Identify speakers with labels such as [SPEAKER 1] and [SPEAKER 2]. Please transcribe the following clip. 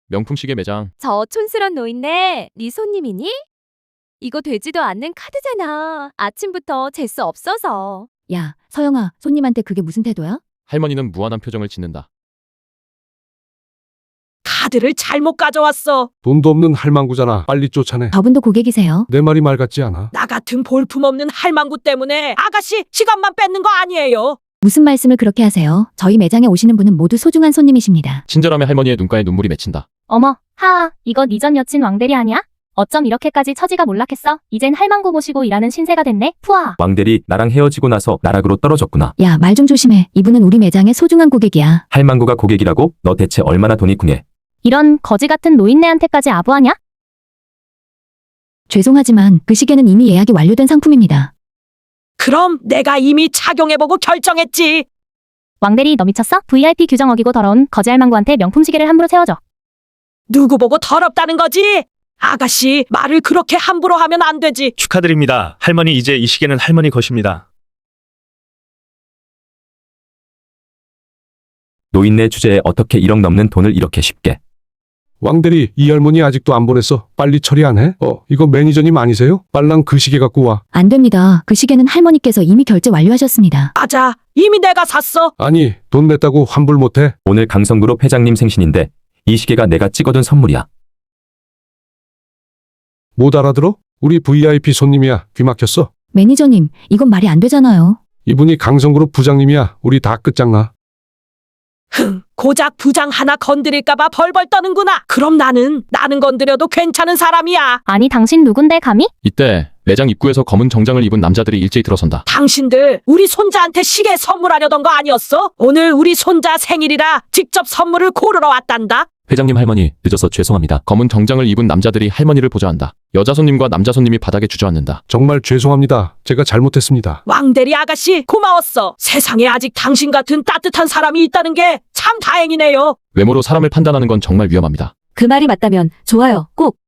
[SPEAKER 1] 명품 시계 매장.
[SPEAKER 2] 저 촌스런 노인네, 네 손님이니? 이거 되지도 않는 카드잖아. 아침부터 재수 없어서.
[SPEAKER 3] 야, 서영아, 손님한테 그게 무슨 태도야?
[SPEAKER 1] 할머니는 무한한 표정을 짓는다.
[SPEAKER 4] 카드를 잘못 가져왔어.
[SPEAKER 5] 돈도 없는 할망구잖아. 빨리 쫓아내.
[SPEAKER 3] 저분도 고객이세요.
[SPEAKER 5] 내 말이 말 같지 않아.
[SPEAKER 4] 나 같은 볼품없는 할망구 때문에 아가씨 시간만 뺏는 거 아니에요.
[SPEAKER 3] 무슨 말씀을 그렇게 하세요? 저희 매장에 오시는 분은 모두 소중한 손님이십니다.
[SPEAKER 1] 친절함에 할머니의 눈가에 눈물이 맺힌다.
[SPEAKER 6] 어머, 하하, 이거 네 전 여친 왕대리 아니야? 어쩜 이렇게까지 처지가 몰락했어? 이젠 할망구 모시고 일하는 신세가 됐네? 푸아.
[SPEAKER 7] 왕대리 나랑 헤어지고 나서 나락으로 떨어졌구나.
[SPEAKER 3] 야, 말 좀 조심해. 이분은 우리 매장의 소중한 고객이야.
[SPEAKER 7] 할망구가 고객이라고? 너 대체 얼마나 돈이 궁해?
[SPEAKER 6] 이런 거지 같은 노인네한테까지 아부하냐?
[SPEAKER 3] 죄송하지만 그 시계는 이미 예약이 완료된 상품입니다.
[SPEAKER 4] 그럼 내가 이미 착용해보고 결정했지.
[SPEAKER 6] 왕대리 너 미쳤어? VIP 규정 어기고 더러운 거지 할망구한테 명품 시계를 함부로 채워줘.
[SPEAKER 4] 누구 보고 더럽다는 거지? 아가씨 말을 그렇게 함부로 하면 안 되지.
[SPEAKER 8] 축하드립니다. 할머니 이제 이 시계는 할머니 것입니다.
[SPEAKER 7] 노인네 주제에 어떻게 1억 넘는 돈을 이렇게 쉽게.
[SPEAKER 5] 왕대리, 이 할머니 아직도 안 보냈어. 빨리 처리 안 해? 이거 매니저님 아니세요? 빨랑 그 시계 갖고 와.
[SPEAKER 3] 안 됩니다. 그 시계는 할머니께서 이미 결제 완료하셨습니다.
[SPEAKER 4] 맞아. 이미 내가 샀어.
[SPEAKER 5] 아니, 돈 냈다고 환불 못 해?
[SPEAKER 7] 오늘 강성그룹 회장님 생신인데 이 시계가 내가 찍어둔 선물이야.
[SPEAKER 5] 못 알아들어? 우리 VIP 손님이야. 귀 막혔어.
[SPEAKER 3] 매니저님, 이건 말이 안 되잖아요.
[SPEAKER 5] 이분이 강성그룹 부장님이야. 우리 다 끝장나.
[SPEAKER 4] 고작 부장 하나 건드릴까봐 벌벌 떠는구나. 그럼 나는 건드려도 괜찮은 사람이야.
[SPEAKER 6] 아니 당신 누군데 감히?
[SPEAKER 1] 이때 매장 입구에서 검은 정장을 입은 남자들이 일제히 들어선다.
[SPEAKER 4] 당신들 우리 손자한테 시계 선물하려던 거 아니었어? 오늘 우리 손자 생일이라 직접 선물을 고르러 왔단다.
[SPEAKER 7] 회장님 할머니 늦어서 죄송합니다.
[SPEAKER 1] 검은 정장을 입은 남자들이 할머니를 보좌한다. 여자 손님과 남자 손님이 바닥에 주저앉는다.
[SPEAKER 5] 정말 죄송합니다. 제가 잘못했습니다.
[SPEAKER 4] 왕대리 아가씨 고마웠어. 세상에 아직 당신 같은 따뜻한 사람이 있다는 게 참 다행이네요.
[SPEAKER 1] 외모로 사람을 판단하는 건 정말 위험합니다.
[SPEAKER 3] 그 말이 맞다면 좋아요. 꼭